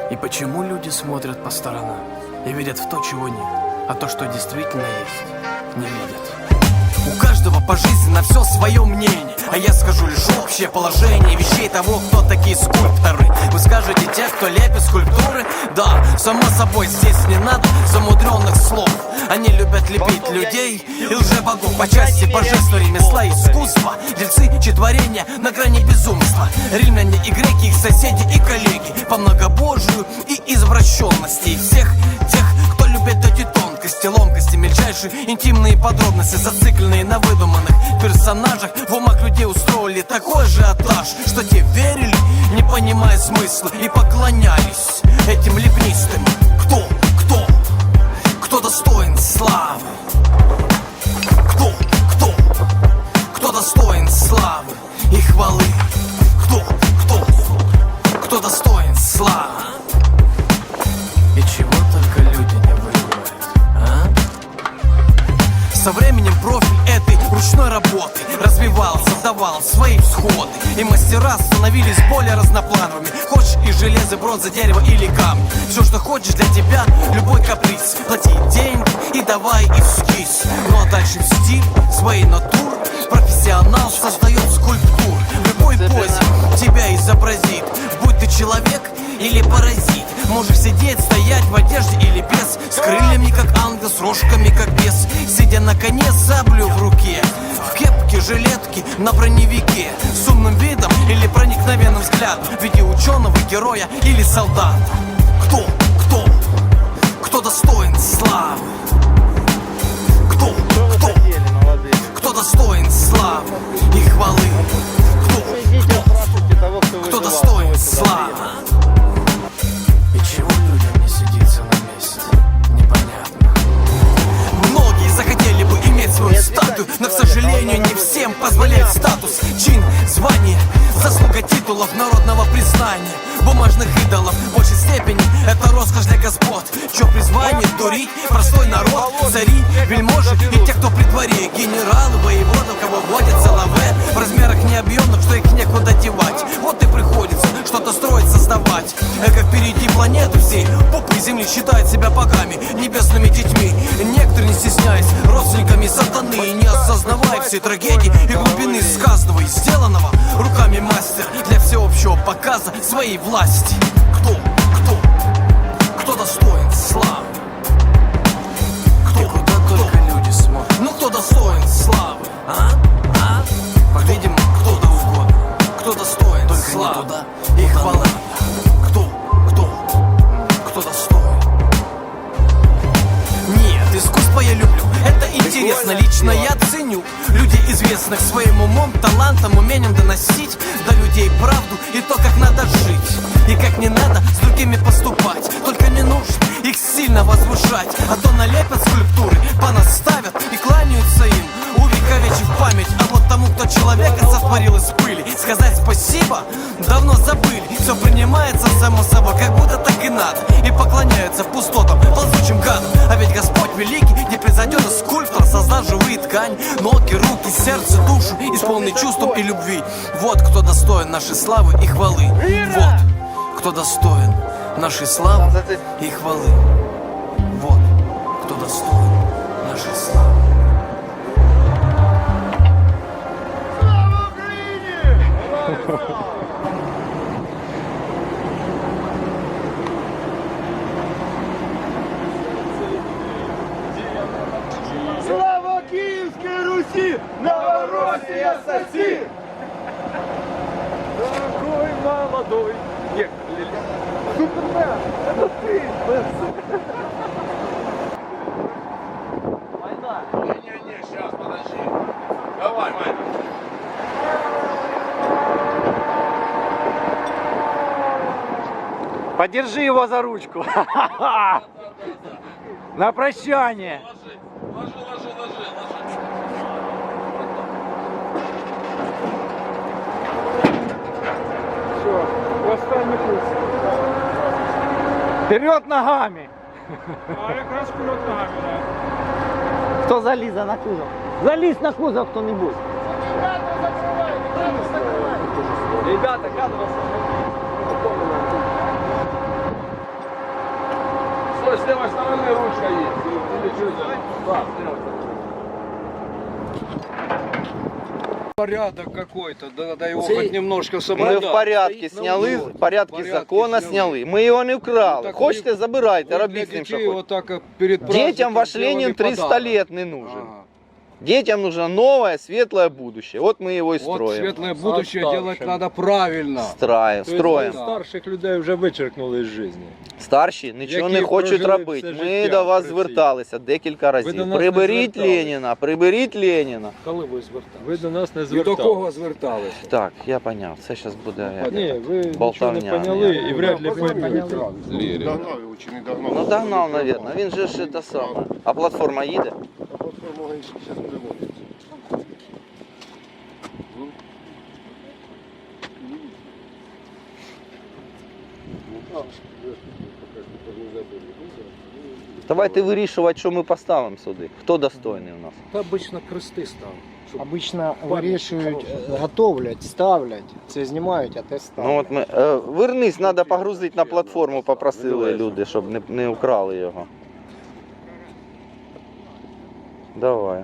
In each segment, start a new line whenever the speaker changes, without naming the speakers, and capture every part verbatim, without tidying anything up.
И почему люди смотрят по сторонам и верят в то, чего нет, а то, что действительно есть, не видят? У каждого по жизни на все свое мнение, а я скажу лишь общее положение вещей того, кто такие скульпторы. Вы скажете, те, кто лепит скульптуры? Да, само собой, здесь не надо замудренных слов. Они любят лепить людей и лже-богов по части божества, ремесла и искусства. Дельцы, чтворения на грани безумства. Римляне и греки, их соседи и коллеги по многобожию и извращенности. И всех тех, кто любит эти тонкости, ломкости, мельчайшие интимные подробности, зацикленные на выдуманных персонажах. В умах людей устроили такой ажиотаж, что те верили, не понимая смысла, и поклонялись этим лепнистым. Кто, кто, кто достоин славы? Кто, кто, кто достоин славы и хвалы? Кто, кто, кто достоин славы? И чего только люди не выбирают, а? Со временем профиль этой ручной работы развивался, давал свои всходы, и мастера становились более разноплановыми. Хочешь и железо, бронза, дерево или камень, все, что хочешь для тебя, любой каприз. Плати деньги и давай эскиз. Ну а дальше в стиль своей натуры профессионал создает скульптуру. В любой позе тебя изобразит, будь ты человек или паразит. Можешь сидеть, стоять в одежде или без, с крыльями как ангел, с рожками как бес, сидя на коне с саблю в руке, в кепке, жилетке, на броневике, с умным видом или проникновенным взглядом, в виде ученого, героя или солдата. Кто, кто, кто достоин славы? Кто, кто, кто достоин славы и хвалы? Кто, кто, кто достоин славы? И чего людям не сидится на месте, непонятно. Многие захотели бы иметь свою статую, но, к сожалению, не всем позволяет статус, чин, звание, заслуга титулов, народного признания, бумажных идолов. В большей степени это роскошь для господ, чье призвание дурить простой народ. Цари, вельможи и те, кто при дворе, генералы, воеводы, кого водятся лаве, в размерах необъемных, что их некуда девать. Вот и приходится что-то строить, создавать. Эко впереди планеты всей, попы земли считают себя богами, небесными детьми. Некоторые, не стесняясь, родственниками сатаны, не осознавая всей трагедии и глубины сказанного и сделанного руками мастера для всеобщего показа своей власти. Кто, кто, кто достоин славы? Кто, и куда кто, только люди смотрят. Ну кто достоин славы, а? А? По-видимому, кто-то угодно. Кто достоин только славы туда, и хвалы? Кто, кто, кто достоин? Нет, искусство я люблю, это интересно, лично я ценю людей известных своим умом, талантом, умением доносить до людей правду и то, как надо жить, и как не надо с другими поступать. Только не нужно их сильно возвышать, а то налепят скульптуры, понаставят и кланяются им, увековечив память. А вот тому, кто человека сотворил из пыли, сказать спасибо давно забыли. Все принимается само собой, как будто так и надо, и поклоняются пустотам, ползучим гадам. А ведь Господь великий, непревзойденный скульптор, создал живые ткани, ноги, руки, сердце, душу, исполненный чувством и любви. Вот кто достоин нашей славы и хвалы. Вот кто достоин нашей славы и хвалы. Вот кто достоин нашей славы. Слава Украине!
Слава Киевской Руси! Новороссия соси! Дорогой молодой! Супермен! Это ты! Война! Не-не-не, сейчас, подожди. Давай, Майна.
Подержи его за ручку. На прощание.
Ложи, ложи, ложи, ложи. Все, останній путь.
Вперед ногами.
А якраз вперед ногами, да.
Кто залізе на кузов? Залізь на кузов хто-нибудь.
Ребята, кадровая с левой стороны ручка есть. Или что это? Да, с левой стороны.
Порядок какой-то, да, надо его
Цей-
хоть немножко
Ми
соблюдати.
в порядку сняли, в порядку закону сняли. Ми його не вкрали.
Так
Хочете,
ви-
забирайте,
Ви для
робіть з ним, що
дітей
хочете.
отак перед
Детям
праздником
ваш
сделали
Ленин триста
подарок.
лет не нужен.
Ага.
Детям нужно новое, светлое будущее. Вот мы его и
Вот
строим.
светлое будущее
А
делать
старшим?
надо правильно.
Строим, строим.
Да.
Старших людей вже вичеркнули з житті.
Старші нічого
Які
не хочуть
прожили
робити.
все
Ми
життя
до вас
в Росії.
зверталися декілька
до
разів.
нас не
Приберіть
звертались.
Леніна, приберіть Леніна.
Коли ви звертали?
Ви до нас не
І до
зверталися.
кого зверталися?
Так, я поняв. Це зараз буде.
Ні, ви нічого не
Болтовня.
поняли і вряд ли поймете.
Догнав його чи не догнав?
Ну догнав, мабуть. Він же ж це саме. А платформа їде?
А платформа зараз приводиться.
Давайте вирішувати, що ми поставимо сюди. Хто достойний у нас?
Та обично крести став.
Обично вирішують, готовлять, ставлять, це знімають, а те ставлять.
Ну от ми. Е, вернись, треба погрузити на платформу, попросили люди, щоб не, не украли його. Давай.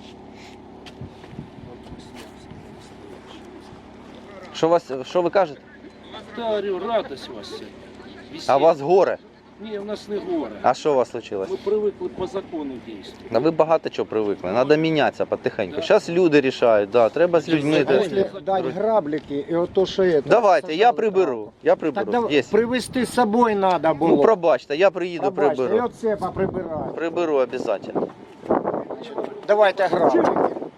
Що вас, що ви кажете?
Та говорю, радость у вас сьогодні.
А у вас горе?
Ні, у нас не горе.
А що у вас случилось?
Ми привикли по закону дійсно.
Да ви багато чого привикли. Треба мінятися потихеньку. Зараз люди рішають, да, треба з людьми.
А
де-
якщо дати граблики і ото що є.
Давайте, я приберу. Я
Так
приберу.
давай,
Є.
привезти з собою треба було.
Ну пробачте, я приїду,
Пробачте, і
приберу.
оце поприбирати.
Приберу обов'язково.
Давайте граблики.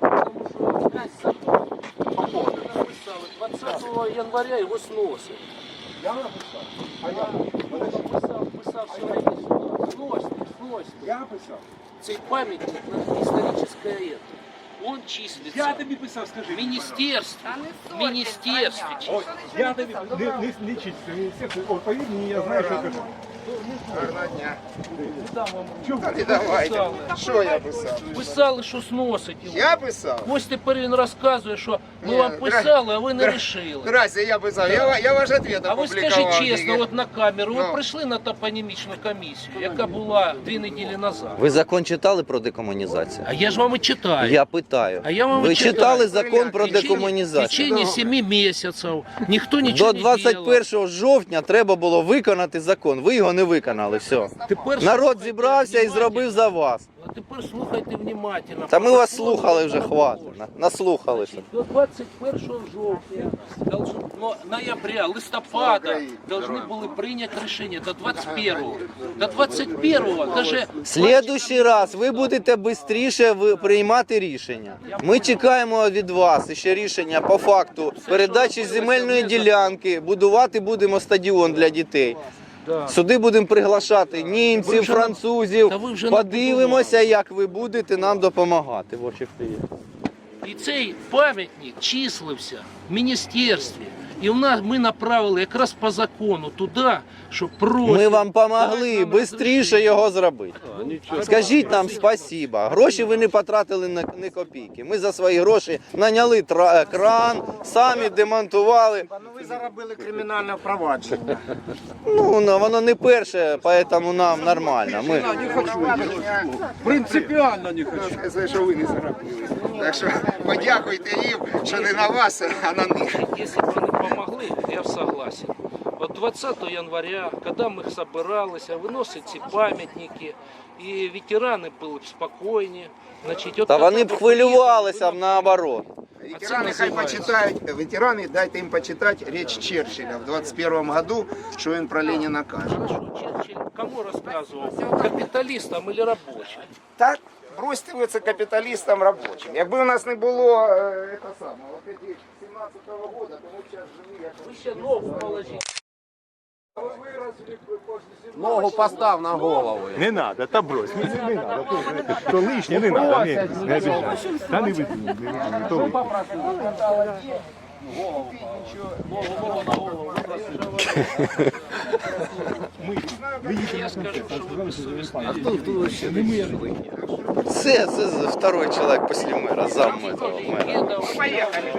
двадцятого января його сносить. Я написав? А я? Писав, писав сьогодні. Сносьте, сносьте. Я писав? Цей пам'ятник на історичне это. Он числится.
Я тобі писав, скажи.
В министерстве. В министерстве. числится.
Я тобі не, не, не чисто, міністерство. О, повір мені, я знаю, що кажу.
Гарного дня.
Чого?
Та не давайте. Що я писав?
Писали, що сносить його.
Я писав?
Ось тепер він розказує, що ми
Ні,
вам
дра-
писали, а ви не
дра-
рішили.
Здрасте, я писав. Я, ва- я ваш ответ
А ви
опублікував.
скажіть чесно,
тільки.
от на камеру, ви
Ну.
прийшли на топонімічну комісію, яка була дві неділі назад.
Ви закон читали про декомунізацію?
А я ж вам і читаю.
Я питаю.
А я вам
Ви
і читаю.
читали закон про
В течение- В
декомунізацію?
течение семи місяців ніхто нічого
До
не
двадцять
делал.
першого жовтня треба було виконати закон. Ви його не виконали. Все.
Тепер
Народ
слухайте
зібрався і
внимательно.
зробив за вас.
А тепер слухайте внимательно.
Та ми вас
Протокол
слухали вже,
протокол.
хватить. На- Наслухалися.
До двадцять першого жовтня, должен, ну, ноября, листопада должны були прийняти рішення до двадцять першого. До двадцять першого даже
В Следующий раз ви будете швидше приймати рішення. Ми чекаємо від вас ще рішення по факту передачі земельної ділянки. Будувати будемо стадіон для дітей. Сюди будемо приглашати
Ви
німців,
вже
французів.
Та ви вже
Подивимося, як ви будете нам допомагати. В очі є.
і цей пам'ятник числився в міністерстві. І в нас ми направили якраз по закону туди, щоб просто...
Ми вам допомогли швидше його зробити. Скажіть нам спасіба. Гроші ви не потратили на ні копійки. Ми за свої гроші наняли тра- кран, самі демонтували.
Ну ви заробили кримінальне впровадження.
Ну, ну, воно не перше, тому нам нормально. Ми...
Принципіально не хочу.
Це, що ви не заробили. Так що подякуйте їм, що не на вас, а на них.
Если бы они помогли, я согласен. Вот двадцатого января, когда мы собирались, выносить эти памятники, и ветераны были б спокойні. Значить, от
Та
коли
вони б
ви
хвилювалися б
приїхали,
наоборот.
Ветераны хай почитают, ветераны дайте им почитать речь Черчилля в двадцать первом году, что он про Ленина каже.
Хорошо, Черчилль кому рассказывал? Капиталистам или рабочим?
Так, бросьте ви це капіталістам робочим. Якби у нас не було е, це саме, от ці сімнадцятого года, то ми б зараз жили як...
Вы еще ногу положите.
Ногу постав на голову.
Не надо, та брось, не, не, не надо, то, то лишнє не надо, не, не обіжай. Та не викинь, не викинь, то викинь.
Я скажу, что вы бессовестные.
Це, це второй чоловік після мера, зам этого мера.
Поїхали.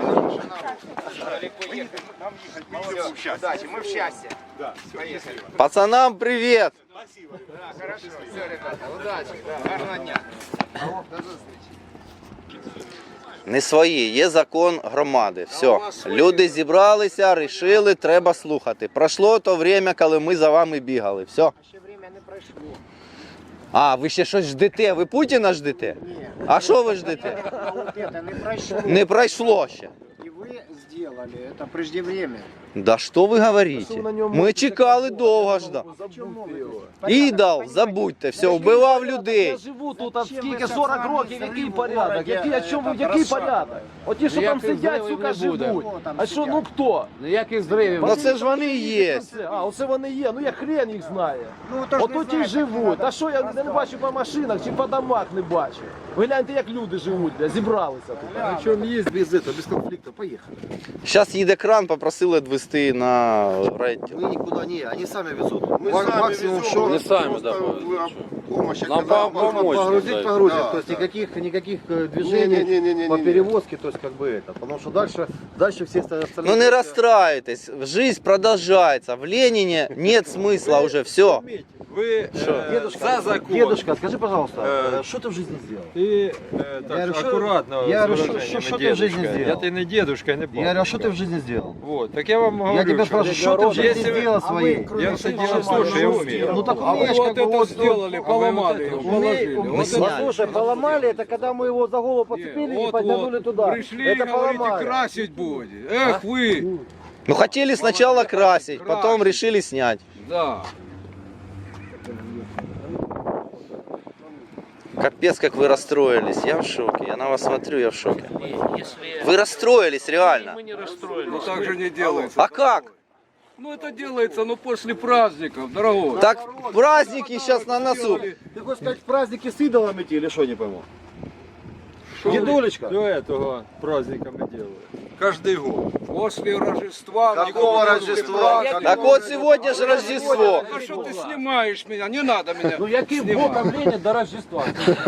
Удачі, ми в щастя. Поїхали.
Пацанам привіт!
Да, хорошо. Все, ребята, удачи. Да, гарного дня. До зустрічі.
Не свої, є закон громади. Все. Люди зібралися, рішили, треба слухати. Пройшло то время, коли ми за вами бігали. Все.
Ще время не пройшло.
А, ви ще щось ждете? Ви Путіна ждете? А що ви ждете?
А вот это не прошло.
Не пройшло ще.
И вы сделали это преждевременно.
Да що ви говорите? Ми чекали довго жда. Ідол, забудьте, все, вбивав людей.
Я живу тут от скільки сорок років, який порядок? Який, о чому, який порядок? Оті, що там сидять, сука, живуть. А що, ну хто?
Ніяких зривів.
Ну це ж вони і є.
А, оце вони є, ну я хрен їх знає.
Ну, то ж не
Ото ті
знаєте,
живуть. А що я не бачу по машинах чи по домах не бачу? Ви гляньте, як люди живуть, бля, зібралися тут.
На чем есть без этого, без конфликта, поехали.
Зараз їде кран, попросили відвезти на райділ.
Мы никуда не, они сами везут. Мы
Ма-
сами
максимум,
везем,
что-
просто
Не сами, да,
помощь.
Нам
когда
по- помочь,
погрузить,
да.
погрузить.
Да,
То есть
да.
никаких, никаких э, движений
Не-не-не-не-не.
по перевозке, то есть как бы это. Потому что дальше, дальше все остальные...
Ну не расстраивайтесь, жизнь продолжается. В Ленине нет смысла уже, все.
Вы э,
Дедушка,
за закон.
Дедушка, скажи, пожалуйста,
Э,
э, что ты в жизни сделал?
Ты э, так,
Я говорю, что-
аккуратно
я
с
говорю, что-
выражениями,
что- что ты в жизни
дедушка.
сделал?
Я ты не дедушка, не
Я
бабушка.
говорю, а что ты в жизни сделал?
Вот, так я вам говорю,
Я тебя спрашиваю, что ты в жизни
если вы-
сделал своей?
Я все делаю, слушай, я умею.
Ну так
А вы
умеешь,
вот
как бы,
это
вот-
сделали, поломали его, положили.
Мы
Вот
сняли.
это-
Слушай, поломали, это когда мы его за голову подцепили и
Вот,
подтянули
вот,
туда.
Пришли,
это
говорите,
поломали.
красить будет. Эх вы!
Ну хотели сначала красить, потом решили снять.
Да.
Капец, как вы расстроились. Я в шоке. Я на вас смотрю, я в шоке.
Если
Вы расстроились, реально.
мы не расстроились.
Ну так же не делается.
А как?
Ну это делается, ну после праздников, дорогой.
Так праздники сейчас на носу.
Ты хочешь сказать, праздники с идолами идти или что, не пойму?
Что
Дедулечка?
До этого праздника мы делаем.
Каждый год. После Рождества.
Какого
никого не
Рождества?
праздника.
Так вот сегодня же Рождество.
А что ты снимаешь меня? Не надо меня
Ну яким
снимать.
боком Ленін до Рождества?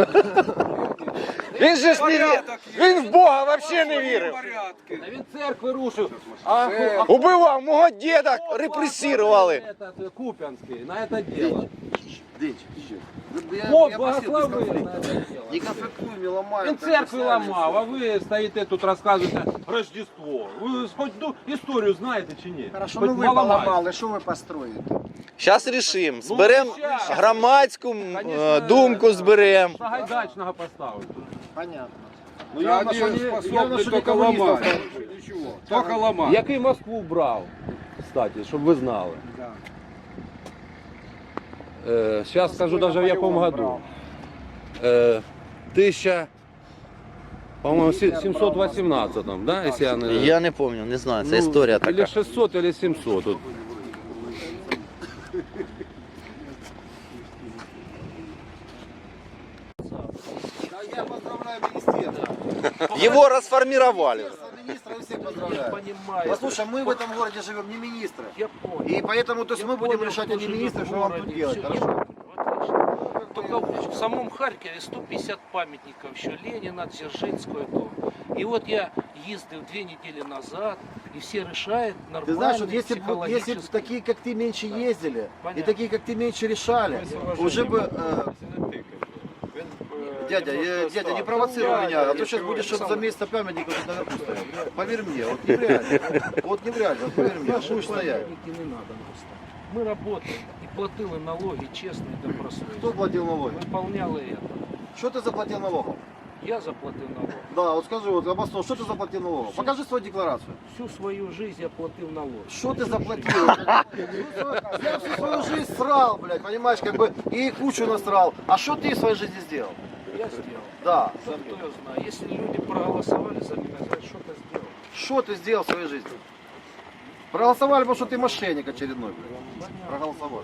Він же ж не вірив.
Порядок є.
Він в Бога вообще не вірив.
Порядки.
Та він церкви рушив. А, а
Убивав, мого деда репресировали.
этот Купянский на это дело.
Я,
Бог
я просил, без
благословив
конфликта.
на это дело.
Не конфликтуй, не ломай.
Він церкви ламав, а ви стоїте тут розказуєте Рождество. Ви хоч ну, історію знаєте чи ні?
Хорошо,
Хоч
ну вы
маламай.
поломали, что вы построите?
Зараз рішимо. Зберемо громадську е, думку, зберемо.
Сагайдачного поставити.
Понятно.
Ну,
Я
явно,
один
что не,
способный
явно, что не
только
коммунистов.
ломать. Ничего. Только ломать.
Який Москву брав, кстати, щоб ви знали. Э, сейчас скажу даже в яком году. Э, тысяча, по-моему, семьсот восемнадцатом, да, если я не...
Я не пам'ятаю, не знаю, це
Ну,
історія
Или
така.
шестьсот, или семьсот. Тут.
Я поздравляю министерство.
Його розформували.
Министра я всех поздравляю.
Понимаю.
Послушай, мы в этом городе живем не министры.
Я понял.
И поэтому то есть
Я
мы будем
понял,
решать,
кто
а не
живет
министры,
в
что вам
городе.
тут делать.
Всё,
Хорошо?
отлично. Только в самом Харькове сто пятьдесят памятников еще Ленина, Дзержинского. То. И вот я ездил две недели назад, и все решают нормально,
Ты знаешь, вот если, бы, если бы
психологически.
такие, как ты, меньше ездили, и
Понятно.
такие, как ты, меньше решали, уже бы... э, Дядя, я- дядя, не провоцируй меня, а то сейчас будешь чтоб за месяц памятников тут наверху стоять. Поверь мне, вот не в реале. Вот не в реале, вот поверь мне, будешь стоять.
Памятники не надо нам ставить. Мы работаем и платили налоги честно и
Кто
добросовестно.
платил налоги?
Выполняли это.
Что ты заплатил налогов?
Я заплатил налоги.
Да, вот скажи, вот, обоснуй, что ты заплатил налогов? Покажи свою декларацию.
Всю свою жизнь я платил налоги.
Что ты заплатил? Я всю свою жизнь срал, блядь, понимаешь, как бы, и кучу насрал. А что ты в своей жизни сделал?
Я сделал.
Да.
Кто я знаю. Если люди проголосовали за меня, значит, что-то сделал.
Что ты сделал в своей жизни? Проголосовали, потому что ты мошенник очередной, блядь. Проголосовали.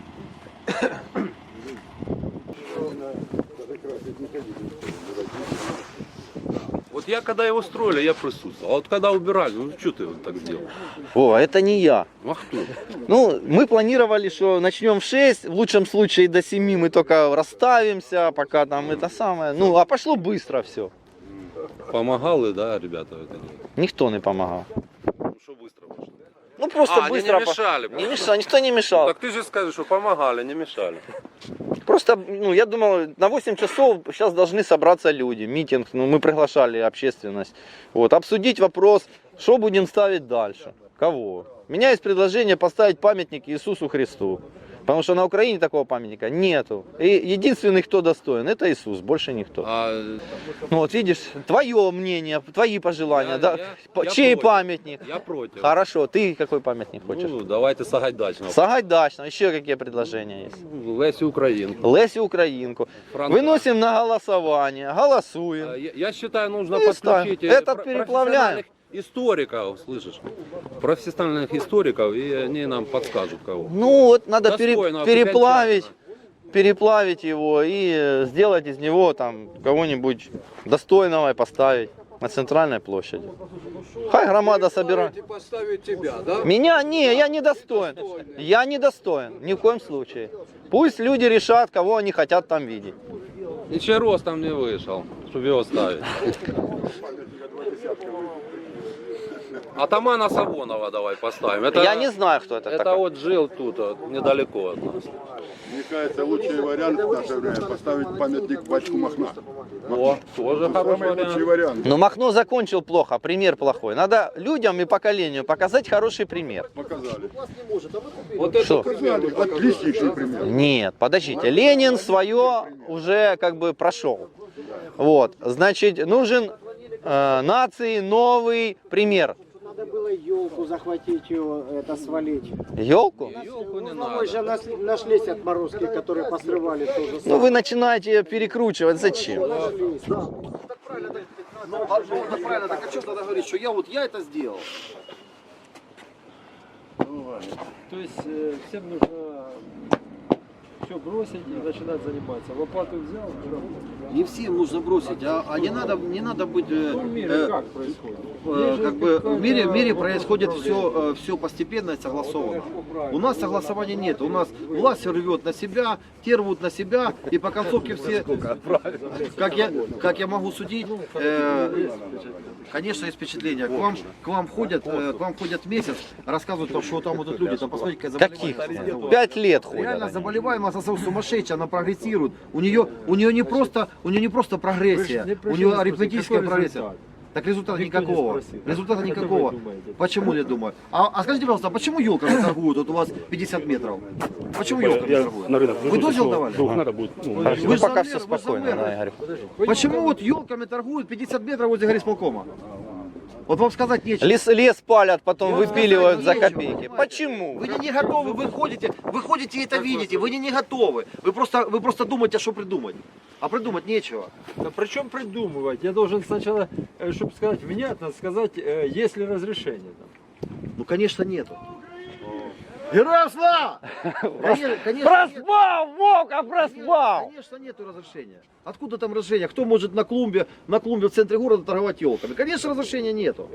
Вот я когда его строили, я присутствовал. А вот когда убирали, ну что ты вот так сделал?
О, это не я.
А кто?
Ну, мы планировали, что начнем в шесть, в лучшем случае до семи мы только расставимся, пока там это самое. Ну, а пошло быстро все.
Помогали, да, ребята? Это делать?
Никто не помогал.
Ну что быстро пошло?
Ну просто
А, они
быстро...
не
по-
мешали.
Не мешал, никто не мешал.
Так ты же скажешь, что помогали, не мешали.
Просто, ну, я думал, на восемь часов сейчас должны собраться люди, митинг, ну, мы приглашали общественность, вот, обсудить вопрос, что будем ставить дальше, кого. У меня есть предложение поставить памятник Иисусу Христу, потому что на Украине такого памятника нету. И единственный, кто достоин, это Иисус, больше никто.
А,
Ну вот видишь, твое мнение, твои пожелания,
Я-
да?
я-
По-
я
чей
против.
памятник?
я против.
Хорошо, ты какой памятник хочешь?
Ну, давайте Сагайдачного.
Сагайдачного, еще какие предложения есть?
Лесю Украинку.
Лесю Украинку.
Франка.
Выносим на голосование, голосуем.
А, Я, я считаю, нужно
Ну, и ставим.
подключить э,
Этот
про-
переплавляем.
профессиональных историков, слышишь? Профессиональных историков, и они нам подскажут кого.
Ну вот надо пере-
Достойно,
переплавить,
окончательно.
переплавить его и э, сделать из него там кого-нибудь достойного и поставить на центральной площади. Хай громада собирает.
Поставить тебя, да?
Меня не, я не достоин. Я не достоин, ни в коем случае. Пусть люди решат, кого они хотят там видеть.
Ничего ростом не вышел, чтобы его ставить. Атамана Савонова давай поставим. Это,
Я не знаю, кто это
Это
такой.
вот жил тут, вот, недалеко от нас.
Мне кажется, лучший вариант в наше время поставить памятник батьку Махна.
О, тоже хороший
Самый лучший
вариант.
вариант.
Но Махно закончил плохо, пример плохой. Надо людям и поколению показать хороший пример.
Показали.
Вот это
Что?
Показали. Отличнейший пример.
Нет, подождите, Ленин свое уже как бы прошел. Вот, значит, нужен э, нации новый пример.
Надо было елку захватить, ее, это свалить.
Елку?
елку не
Ну, мы
надо.
же нас- нашлись отморозки, которые посрывали то же
Ну
самое.
вы начинаете ее перекручивать, зачем?
Нашлись.
Ну, а, ну, это правильно, так а что тогда говорить, что я вот я это сделал?
То есть э, всем нужно все бросить и начинать заниматься. Лопату взял и работать.
Не всем нужно бросить, а, а не надо, не надо быть, э,
Ну, в мире
э,
как происходит?
э,
Есть же
как бы в мире, в мире
какой-то
происходит
вопрос
все, все постепенно и согласованно. У нас согласования нет, у нас власть все рвет на себя, те рвут на себя, и по концовке все, как я, как я могу судить, э, конечно, есть впечатление. К вам, к вам ходят, э, к вам ходят месяц, рассказывают, там, что там вот тут люди, там посмотрите, какая
Каких?
заболеваемость.
Пять лет ходят.
Реально
они.
заболеваемость сумасшедшая, она прогрессирует. У нее, у нее не просто, у нее не просто прогрессия,
Вы ж не
у
пришли
нее
спросить,
арифметическая
какой
прогрессия.
результат?
Так результата
Никто не
никакого.
спросил.
Результата
Это вы
никакого.
думаете.
Почему я думаю? А, а скажите, пожалуйста, а почему елками торгуют? Вот у вас пятьдесят метров. Почему елками торгуют? Вы дозвел давали?
Хорошо,
Вы
ну
ж
пока
за
все
мэр, вы ж за
спокойно,
мэра.
да, Игорь.
Почему вот елками торгуют пятьдесят метров возле горисполкома? Вот вам сказать нечего.
Лес, лес палят, потом
Я
выпиливают за
сказать нечего,
копейки.
понимаете?
Почему?
Вы не, не готовы, вы ходите, вы ходите и это видите, вы не, не готовы. Вы просто, вы просто думаете, что придумать. А придумать нечего.
Да причем придумывать? Я должен сначала, чтобы сказать внятно, сказать, э, есть ли разрешение. Там.
Ну, конечно, нету. Героям слава! Конечно, конечно, нет.
Проспал, Вовка, проспал!
Конечно, нету разрешения. Откуда там разрешение? Кто может на клумбе, на клумбе в центре города торговать елками? Конечно, разрешения нету.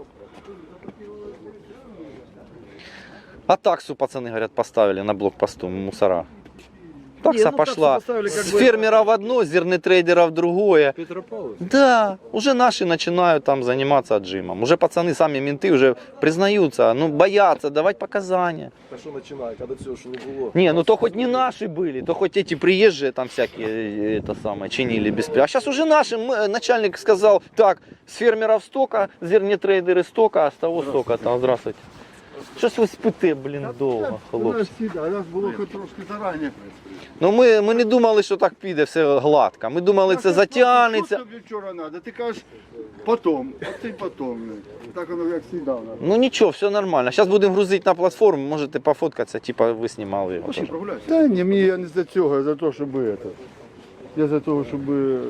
А таксу, пацаны, говорят, поставили на блокпосту мусора. Такса
Не, ну, таксу
пошла
поставили как
с
бы-
фермера в одно, с зернотрейдера в другое.
Петропавловск?
Да, уже наши начинают там заниматься отжимом. Уже пацаны, сами менты уже признаются, ну боятся давать показания.
А что начинает, когда все, что не было?
Не, ну то хоть не наши были, то хоть эти приезжие там всякие, э, это самое, чинили без... А сейчас уже наши, мы- начальник сказал, так, с фермеров столько, зернотрейдеры столько, а с того столько, там, здравствуйте. Щось ви спите, блін, довго, хлопці.
А нас було хоч трошки зарані.
Ну ми, ми не думали, що так піде все гладко. Ми думали, це затягнеться.
Що тобі вчора треба? Ти кажеш, потом, а ти потом. Так воно як завжди.
Ну нічого, все нормально. Зараз будемо грузити на платформу, можете пофоткатися, типа ви знімали його.
Пошли
теж.
прогуляйся.
Та ні, мені я не за цього, я за те, щоб это. Я за того, щоб е,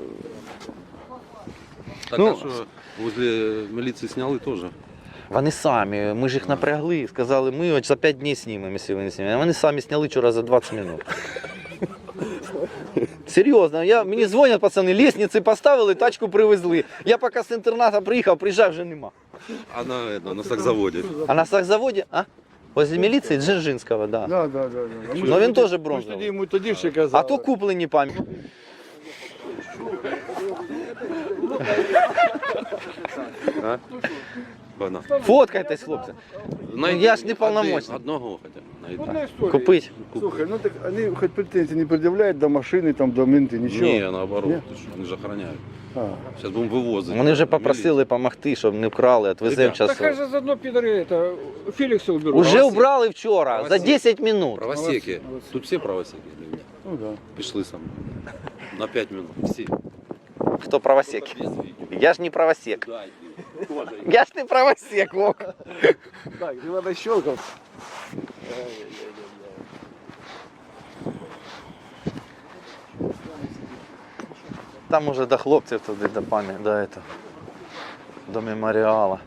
Так
Ну,
а что, возле милиции сняли тоже?
Вони самі, ми ж їх напрягли, сказали, ми от за п'ять днів знімемо, якщо ви не знімемо. А вони самі зняли вчора за двадцять минут. Серйозно, я, мені дзвонять пацани, лестниці поставили, тачку привезли. Я поки з інтерната приїхав, приїжджав, вже нема.
А на, это, на сакзаводе.
А на сахзаводі, а? Возле міліції Дзержинського, да.
да, да, да, да. Ми
Ну
ж
він
тоді-
теж
ми ж
бронзовий.
тоді йому тоді ще казали.
А то куплені пам'ять.
А? Бана.
Фоткайтесь, хлопці.
найди
я ж не
один-
полномочный.
Одного хотя бы найди.
Одна история.
Купить.
Слухай, ну так они хоть претензии не предъявляют до машины, там, до менты, ничего.
Не, наоборот,
Ні?
ты что, они же охраняют.
А.
Сейчас будем вывозить.
Вони вже попросили допомогти, щоб не вкрали, відвеземо
Ребят,
Так хай
зараз.
же заодно підари это, Фелікса уберуть.
Уже
Правосек.
убрали вчора, за
Правосек.
десять минут.
Правосеки. Тут все правосеки для меня.
Ну да.
Пришли со мной. На пять минут. Все.
Хто правосек?
Без видео.
Я ж не правосек.
Да, иди. Тоже.
Я ж не правосек, Вок.
Так, не надо щелкать.
Там уже до хлопців туди, до пам'яті, до этого, до меморіала.